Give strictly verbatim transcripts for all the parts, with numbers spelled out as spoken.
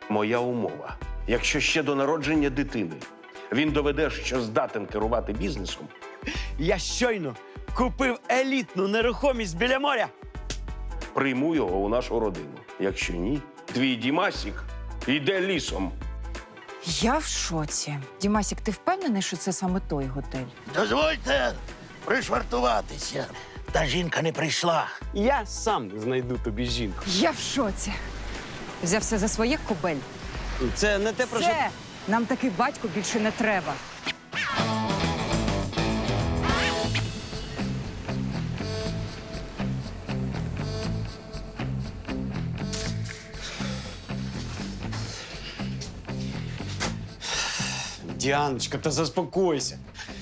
Моя умова. Якщо ще до народження дитини він доведе, що здатен керувати бізнесом, Я щойно купив елітну нерухомість біля моря. прийму його у нашу родину. Якщо ні, твій Дімасік йде лісом. Я в шоці. Дімасік, ти впевнений, що це саме той готель? Дозвольте пришвартуватися. Та жінка не прийшла. Я сам знайду тобі жінку. Я в шоці. Взявся за своє кобель. Це не те, про що... Це нам такий батько більше не треба. Діаночка, та заспокойся.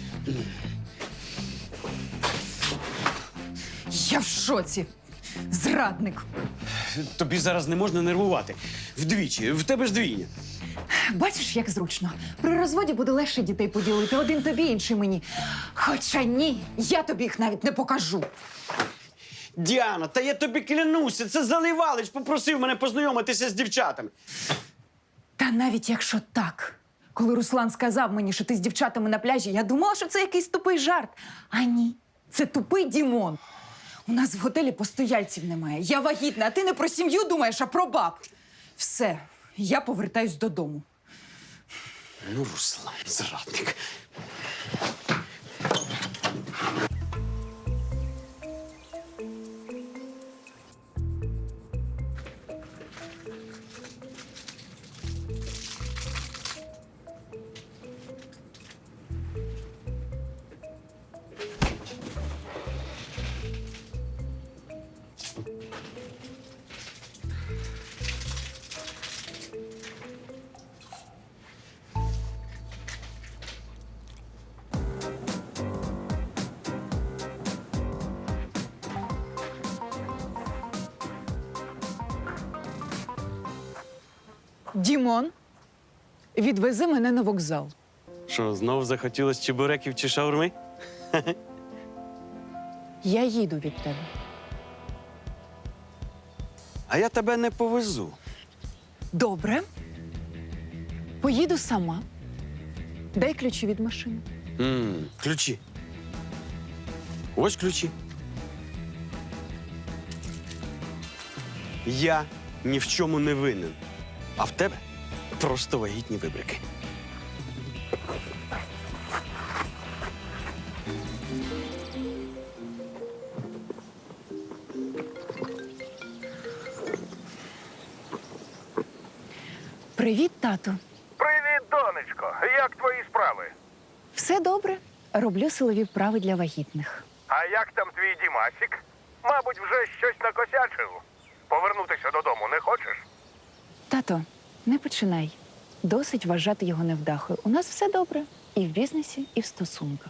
Я в шоці. Зрадник. Тобі зараз не можна нервувати. Вдвічі, в тебе ж двійня. Бачиш, як зручно. При розводі буде легше дітей поділити. Один тобі, інший мені. Хоча ні, я тобі їх навіть не покажу. Діана, та я тобі клянуся, це Заливалич попросив мене познайомитися з дівчатами. Та навіть якщо так. Коли Руслан сказав мені, що ти з дівчатами на пляжі, я думала, що це якийсь тупий жарт. А ні, це тупий Дімон. У нас в готелі постояльців немає. Я вагітна, а ти не про сім'ю думаєш, а про баб. Все, я повертаюсь додому. Ну, Руслан, зрадник. Дімон, відвези мене на вокзал. Що, знов захотілось чебуреків чи шаурми? Я їду від тебе. А я тебе не повезу. Добре. Поїду сама. Дай ключі від машини. М, ключі. Ось ключі. Я ні в чому не винен. А в тебе просто вагітні вибрики. Привіт, тату. Привіт, донечко. Як твої справи? Все добре. Роблю силові вправи для вагітних. А як там твій Дімасік? Мабуть, вже щось накосячив. Повернутися додому не хочеш? Тато, не починай. Досить вважати його невдахою. У нас все добре. І в бізнесі, і в стосунках.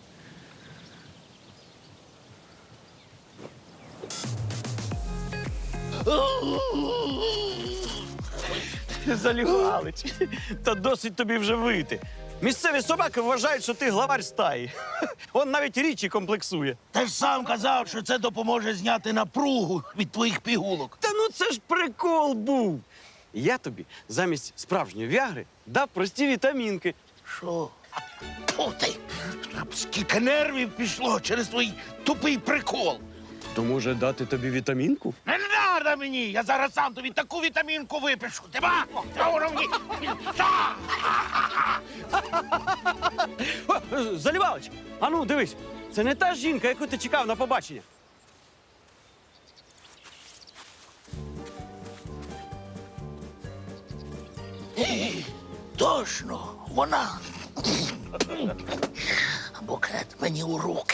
Залівалич, та досить тобі вже вийти. Місцеві собаки вважають, що ти главарь стаї. Он навіть річі комплексує. Ти ж сам казав, що це допоможе зняти напругу від твоїх пігулок. Та ну це ж прикол був. Я тобі замість справжньої віагри дав прості вітамінки. Що? Тьфу ти! Скільки нервів пішло через твій тупий прикол. То може дати тобі вітамінку? Не треба мені! Я зараз сам тобі таку вітамінку випишу. Ти ба? Та воно мені! Та! Залівалич, а ну дивись, це не та жінка, яку ти чекав на побачення. Точно, вона. Букет мені у руки.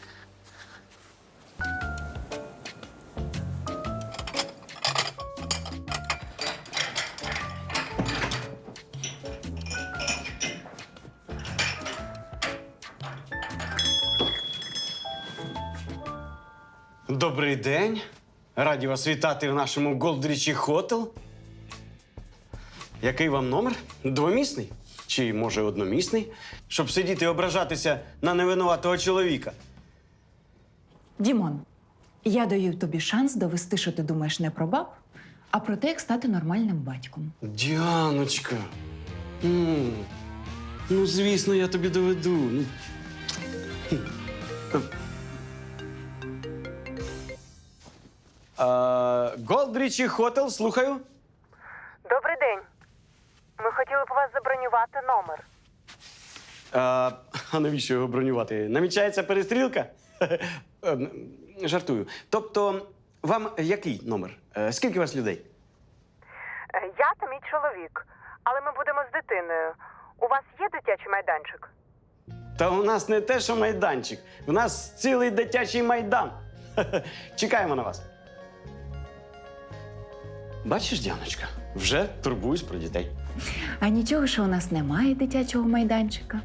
Добрий день. Раді вас вітати в нашому Голдрічі Хотел. Який вам номер? Двомісний? Чи, може, одномісний? Щоб сидіти і ображатися на невинуватого чоловіка. Дімон, я даю тобі шанс довести, що ти думаєш не про баб, а про те, як стати нормальним батьком. Діаночка. Ну, ну звісно, я тобі доведу. Ну. Голдрічі Хотел, слухаю. Добрий день. Ми хотіли б у вас забронювати номер. А, а навіщо його бронювати? Намічається перестрілка? Е, Жартую. Тобто, вам який номер? Е, Скільки у вас людей? Е, Я та мій чоловік. Але ми будемо з дитиною. У вас є дитячий майданчик? Та у нас не те, що майданчик. У нас цілий дитячий майдан. Чекаємо на вас. Бачиш, Діаночка, вже турбуюсь про дітей. А нічого, що у нас немає дитячого майданчика.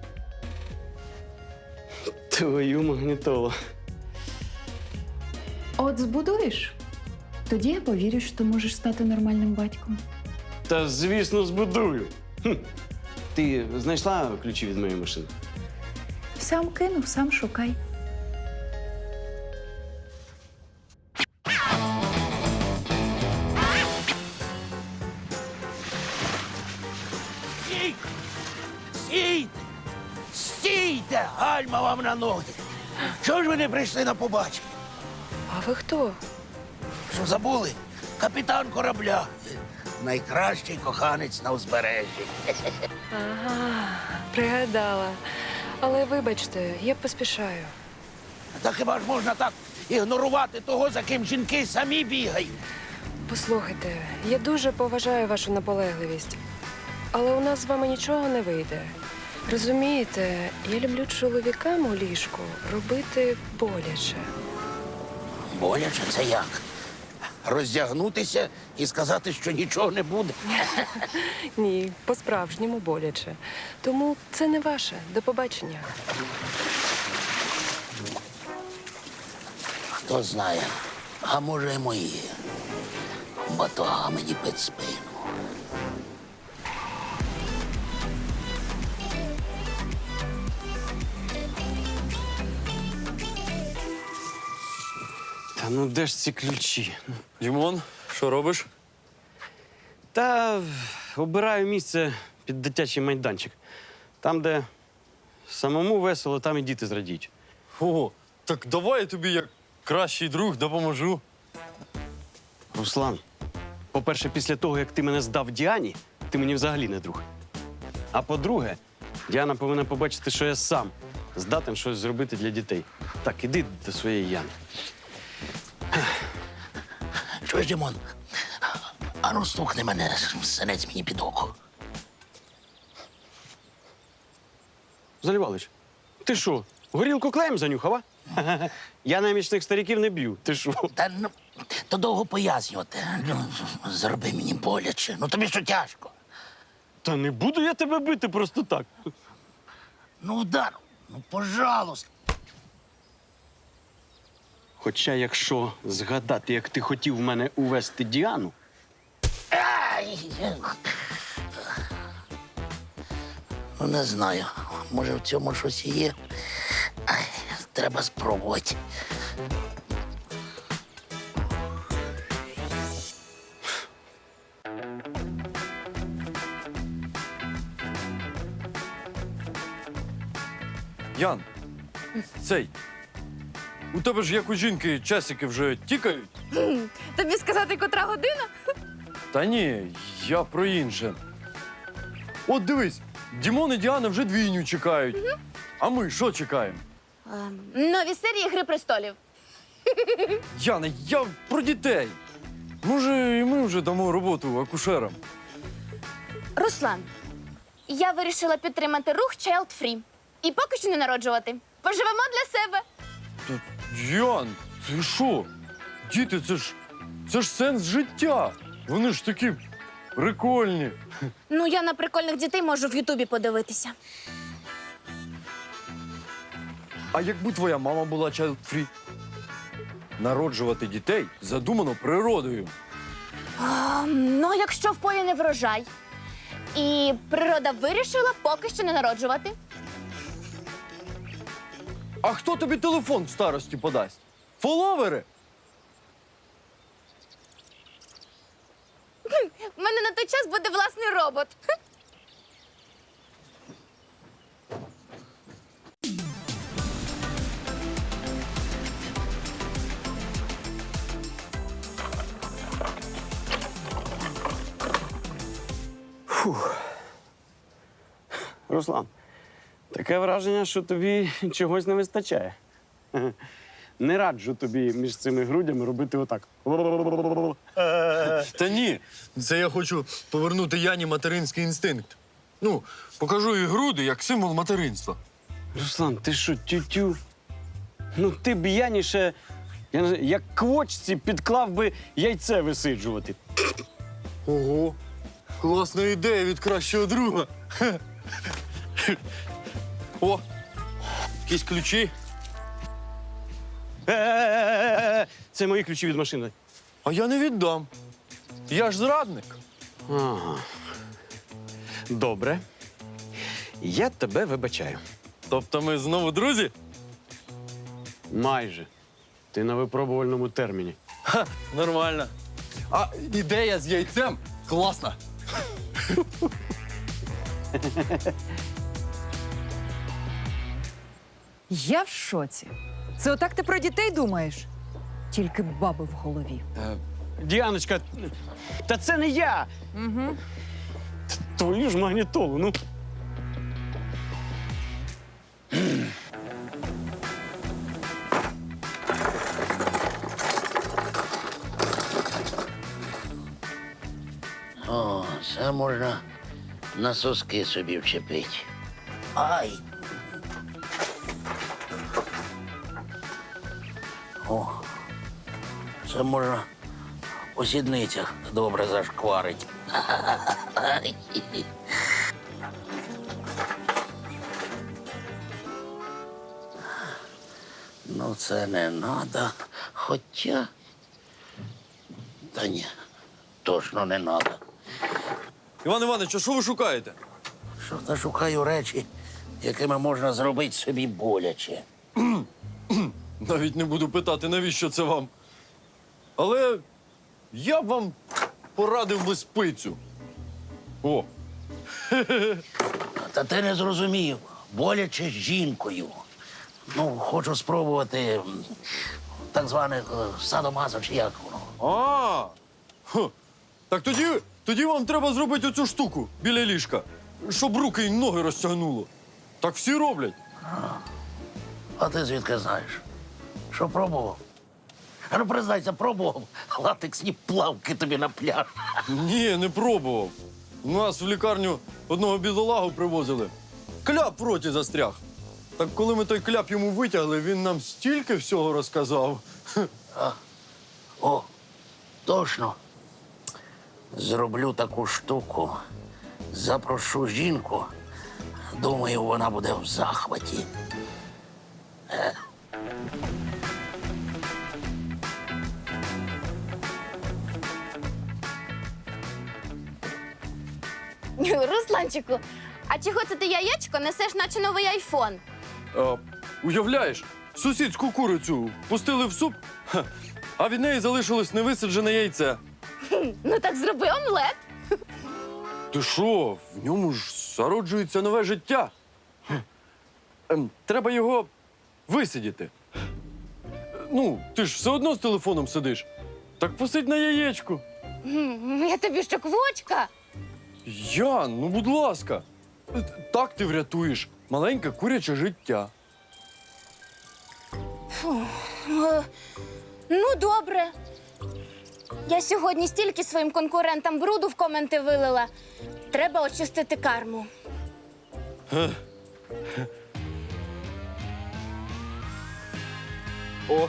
Твою магнітолу. От збудуєш, тоді я повірю, що ти можеш стати нормальним батьком. Та, звісно, збудую. Хм. Ти знайшла ключі від моєї машини? Сам кинув, сам шукай. Стійте! Стійте! Стійте! Гальма вам на ноги! Чого ж ви не прийшли на побачення? А ви хто? Що забули? Капітан корабля. Найкращий коханець на узбережжі. Ага, пригадала. Але вибачте, я поспішаю. Та хіба ж можна так ігнорувати того, за ким жінки самі бігають? Послухайте, я дуже поважаю вашу наполегливість, але у нас з вами нічого не вийде. Розумієте, я люблю чоловікам у ліжку робити боляче. Боляче це як? Роздягнутися і сказати, що нічого не буде? Ні, по-справжньому боляче. Тому це не ваше. До побачення. Хто знає, а може і мої. Батога мені під спину. Та ну де ж ці ключі? Дімон, що робиш? Та обираю місце під дитячий майданчик. Там, де самому весело, там і діти зрадіють. Ого, так давай я тобі як кращий друг допоможу. Руслан, по-перше, після того, як ти мене здав Діані, ти мені взагалі не друг. А по-друге, Діана повинна побачити, що я сам здатен щось зробити для дітей. Так, іди до своєї Яни. Чуєш, Дімон? Ану, стукни мене, синець мені під око. Залівалич, ти що, горілку клеєм занюхав, а? Я немічних стариків не б'ю. Ти що? Та ну, то довго пояснювати. Ну, зроби мені боляче. Ну тобі що тяжко? Та не буду я тебе бити просто так. Ну, удар, ну, пожалуйста. Хоча, якщо згадати, як ти хотів в мене увести Діану, Ай! Ну, не знаю. Може, в цьому щось і є. Ай, треба спробувати. Ян, цей. У тебе ж як у жінки часики вже тікають? Тобі сказати, котра година? Та ні, я про інше. От дивись, Дімон і Діана вже двійню чекають. А ми що чекаємо? Нові серії Гри престолів. Яна, я про дітей. Може, і ми вже дамо роботу акушерам. Руслан, я вирішила підтримати рух Child Free. І поки що не народжувати. Поживемо для себе. Та, Ян, ти що? Діти, це ж це ж сенс життя. Вони ж такі прикольні. Ну, я на прикольних дітей можу в Ютубі подивитися. А якби твоя мама була child-free? Народжувати дітей задумано природою. А, ну, якщо в полі не врожай. І природа вирішила поки що не народжувати. А хто тобі телефон в старості подасть? Фоловери? мене на той час буде власний робот. Руслан, таке враження, що тобі чогось не вистачає. Не раджу тобі між цими грудями робити отак. Та ні, це я хочу повернути Яні материнський інстинкт. Ну, покажу їй груди як символ материнства. Руслан, ти що, тютю? Ну ти б Яніше, я не знаю, як квочці підклав би яйце висиджувати. Ого, класна ідея від кращого друга. О, якісь ключі. Е-е-е-е! Це мої ключі від машини. А я не віддам. Я ж зрадник. Ага. Добре. Я тебе вибачаю. Тобто ми знову друзі? Майже. Ти на випробувальному терміні. Ха, нормально. А ідея з яйцем класна. Я в шоці. Це отак ти про дітей думаєш? Тільки баби в голові. Діаночка, та це не я! Угу. Твою ж магнітолу, ну. О, це можна на соски собі вчепити. Ай! О, це можна у сідницях добре зашкварить. Ай. Ну, це не надо. Хоча. Та ні, точно не надо. Іван Іванович, а що ви шукаєте? Що та шукаю речі, якими можна зробити собі боляче. Навіть не буду питати, навіщо це вам. Але я б вам порадив би спицю. О, Та ти не зрозумів. Боляче з жінкою. Ну, хочу спробувати м, так зване е, садомазо чи як воно. а, Хм. Так тоді, тоді вам треба зробити оцю штуку біля ліжка, щоб руки й ноги розтягнуло. Так всі роблять. А ти звідки знаєш? Що пробував? А ну признайся, пробував латексні плавки тобі на пляж. Ні, не пробував. У нас в лікарню одного бідолагу привозили. Кляп в роті застряг. Так коли ми той кляп йому витягли, він нам стільки всього розказав. О, точно. Зроблю таку штуку. Запрошу жінку. Думаю, вона буде в захваті. Русланчику, а чого це ти яєчко несеш, наче новий айфон? А, уявляєш, сусідську курицю пустили в суп, ха, а від неї залишилось невисаджене яйце. Ну так зроби омлет. Ти що, в ньому ж зароджується нове життя. Ем, треба його висидіти. Ну, ти ж все одно з телефоном сидиш. Так посидь на яєчку. М, Я тобі що, квочка? Ян, ну будь ласка. Так ти врятуєш маленьке куряче життя. Е, Ну, добре. Я сьогодні стільки своїм конкурентам бруду в коменти вилила. Треба очистити карму. О,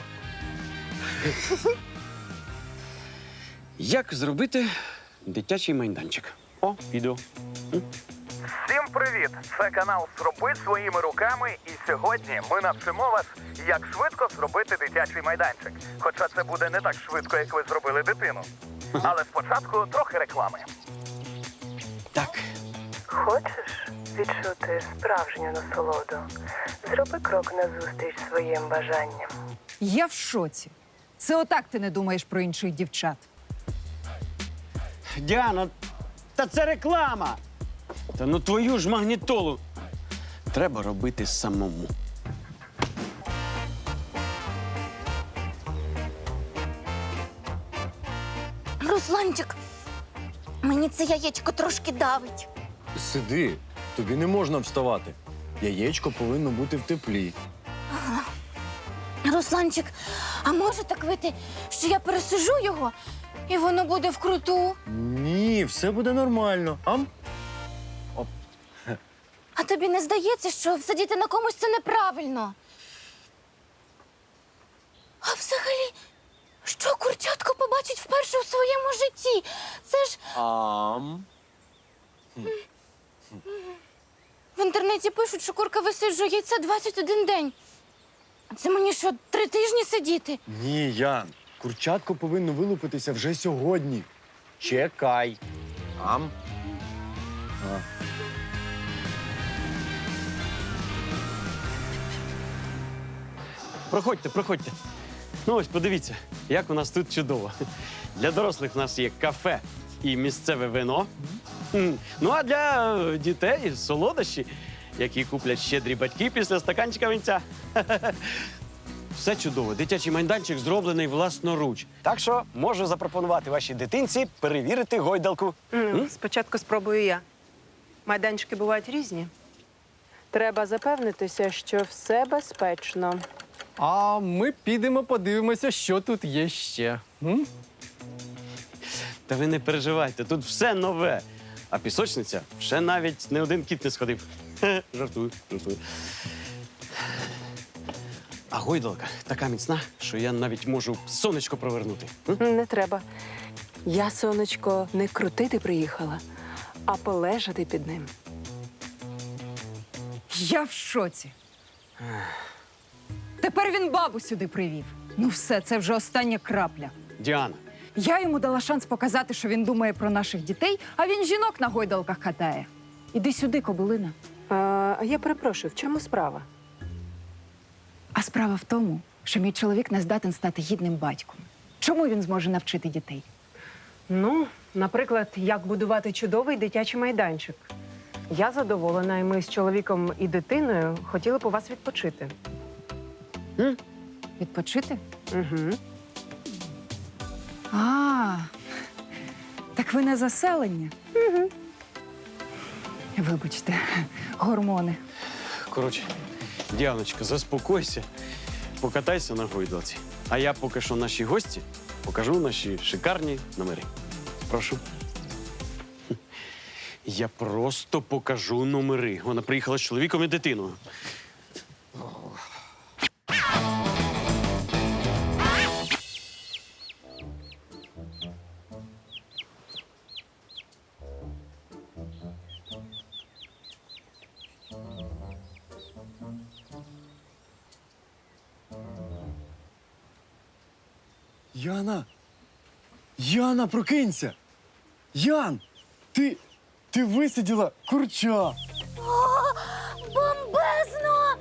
Як зробити дитячий майданчик? О, відео. Всім привіт! Це канал «Зроби своїми руками», і сьогодні ми навчимо вас, як швидко зробити дитячий майданчик. Хоча це буде не так швидко, як ви зробили дитину. Але спочатку трохи реклами. Так. Хочеш відчути справжню насолоду? Зроби крок назустріч своїм бажанням. Я в шоці. Це отак ти не думаєш про інших дівчат. Діана, Та це реклама! Та ну твою ж магнітолу треба робити самому. Русланчик, мені це яєчко трошки давить. Сиди, тобі не можна вставати. Яєчко повинно бути в теплі. Русланчик, а може так вийти, що я пересижу його, і воно буде вкруту? Ні, все буде нормально. Ам? А тобі не здається, що сидіти на комусь це неправильно? А взагалі, що курчатко побачить вперше у своєму житті? Це ж Ам. в інтернеті пишуть, що курка висиджує яйця двадцять один день. А це мені що, три тижні сидіти? Ні, Ян. Курчатко повинно вилупитися вже сьогодні. Чекай. Ам. А. Проходьте, проходьте. Ну ось, подивіться, як у нас тут чудово. Для дорослих в нас є кафе і місцеве вино. М. Ну а для е, дітей солодощі, які куплять щедрі батьки після стаканчика винця. Все чудово. Дитячий майданчик зроблений власноруч. Так що можу запропонувати вашій дитинці перевірити гойдалку. Ну, спочатку спробую я. Майданчики бувають різні. Треба запевнитися, що все безпечно. А ми підемо подивимося, що тут є ще. М? Та ви не переживайте, тут все нове. А пісочниця ще навіть не один кіт не сходив. Хе, жартую, жартую. А гойдалка така міцна, що я навіть можу сонечко провернути. М? Не треба. Я, сонечко, не крутити приїхала, а полежати під ним. Я в шоці. Тепер він бабу сюди привів. Ну все, це вже остання крапля. Діана, Я йому дала шанс показати, що він думає про наших дітей, а він жінок на гойдалках катає. Іди сюди, кобилина. А, я перепрошую, в чому справа? А справа в тому, що мій чоловік не здатен стати гідним батьком. Чому він зможе навчити дітей? Ну, наприклад, як будувати чудовий дитячий майданчик. Я задоволена, і ми з чоловіком і дитиною хотіли б у вас відпочити. Відпочити? Угу. А, так ви не заселення? Угу. Вибачте, гормони. коротше, Діаночка, заспокойся, покатайся на гойдалці. А я поки що нашій гості покажу наші шикарні номери. Прошу. Я просто покажу номери. Вона приїхала з чоловіком і дитиною. Яна! Яна, прокинься! Ян! Ти. Ти висиділа курча! О, бомбезно!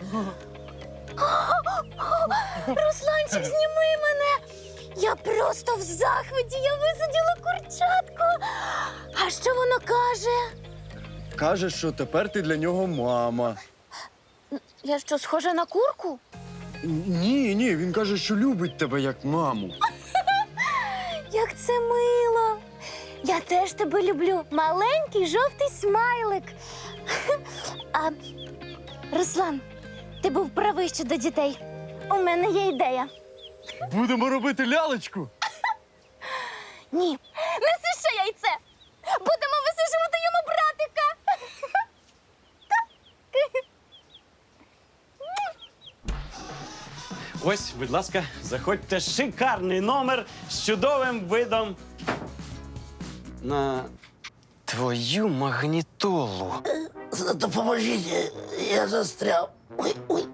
Русланчик, зніми мене! Я просто в захваті, я висадила курчатку. А що воно каже? Каже, що тепер ти для нього мама. Я що, схожа на курку? Ні, ні, він каже, що любить тебе як маму. Як це мило! Я теж тебе люблю. Маленький жовтий смайлик. А, Руслан, ти був правий щодо дітей. У мене є ідея. Будемо робити лялечку. Ні, неси ще яйце. Будемо висижувати йому братика. Ось, будь ласка, заходьте. Шикарний номер з чудовим видом на твою магнітолу. Допоможіть, я застряв. Ой, ой.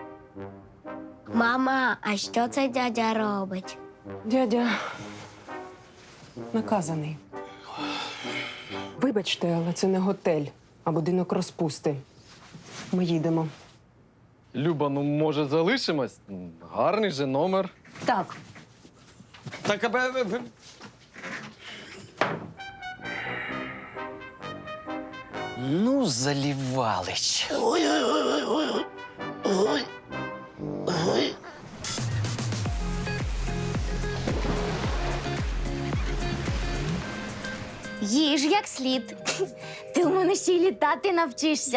Мама, а що це дядя робить? Дядя наказаний. Вибачте, але це не готель, а будинок розпусти. Ми їдемо. Люба, ну може залишимось? Гарний же номер. Так, Так, аби... Ну, Залівалич. Ой-ой-ой. Ой. Ой. Їж як слід. Ти у мене ще й літати навчишся.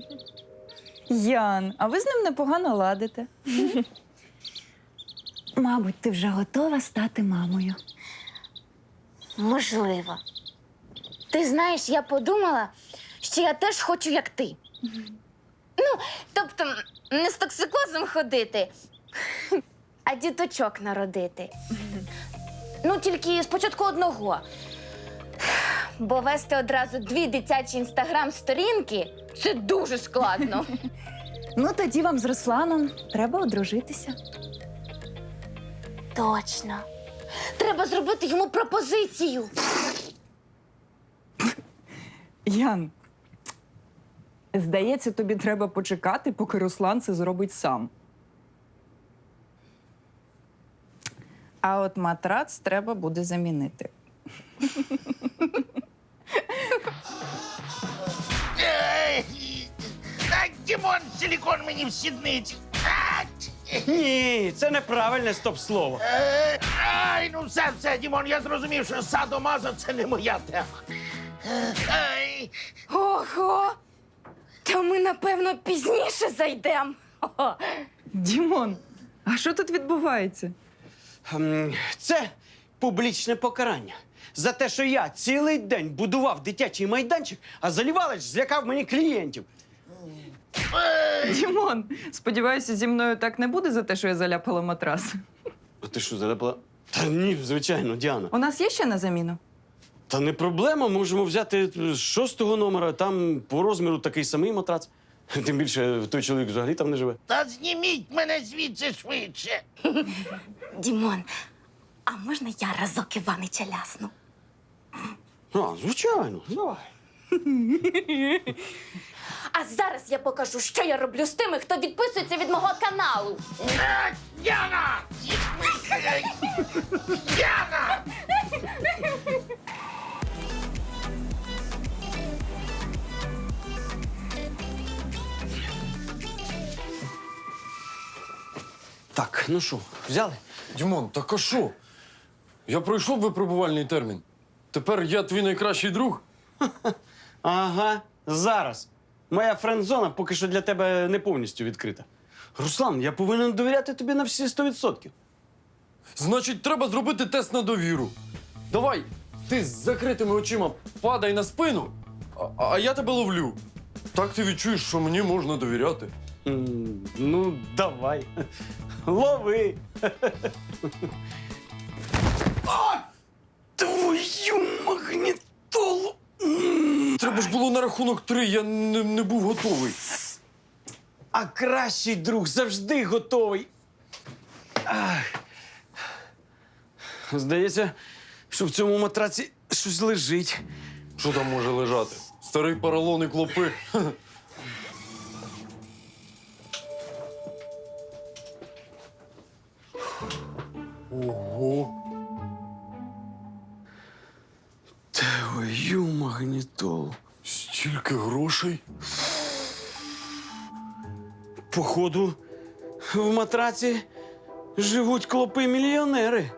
Ян, а ви з ним непогано ладите. Мабуть, ти вже готова стати мамою. Можливо. Ти знаєш, я подумала, що я теж хочу, як ти. Ну, тобто, не з токсикозом ходити, а діточок народити. Ну, тільки спочатку одного. Бо вести одразу дві дитячі інстаграм-сторінки – це дуже складно. Ну, тоді вам з Русланом треба одружитися. Точно. Треба зробити йому пропозицію. Ян, здається, тобі треба почекати, поки Руслан це зробить сам. А от матрац треба буде замінити. Ей! А, Дімон, силікон мені в сідниці. А, Ні, це неправильне стоп-слово. Е, Ай, ну все, все, Дімон, я зрозумів, що садомазо – це не моя тема. Е, Ай. Ого! Та ми, напевно, пізніше зайдемо. Дімон, а що тут відбувається? Ем, Це публічне покарання. За те, що я цілий день будував дитячий майданчик, а Залівалич злякав мені клієнтів. Дімон, сподіваюся, зі мною так не буде за те, що я заляпала матрас. А ти що, заляпала? Та ні, звичайно, Діана. У нас є ще на заміну? Та не проблема, можемо взяти з шостого номера, там по розміру такий самий матрац. Тим більше той чоловік взагалі там не живе. Та зніміть мене звідси швидше. Дімон, а можна я разок Іванича лясну? А, звичайно, давай. А зараз я покажу, що я роблю з тими, хто відписується від мого каналу. Е, Яна! Яна! Так, ну що, взяли? Дімон, так а що? Я пройшов випробувальний термін. Тепер я твій найкращий друг. Ага, зараз. Моя френд-зона поки що для тебе не повністю відкрита. Руслан, я повинен довіряти тобі на всі сто відсотків. Значить, треба зробити тест на довіру. Давай, ти з закритими очима падай на спину, а, а я тебе ловлю. Так ти відчуєш, що мені можна довіряти. М, Ну, давай. Лови. О, твою магнітолу. Треба ж було на рахунок три, я не, не був готовий. А кращий друг завжди готовий. Ах. Здається, що в цьому матраці щось лежить. Що там може лежати? Старий поролон і клопи. Ого. Твою магнітолу. Стільки грошей? Походу, в матраці живуть клопи-мільйонери.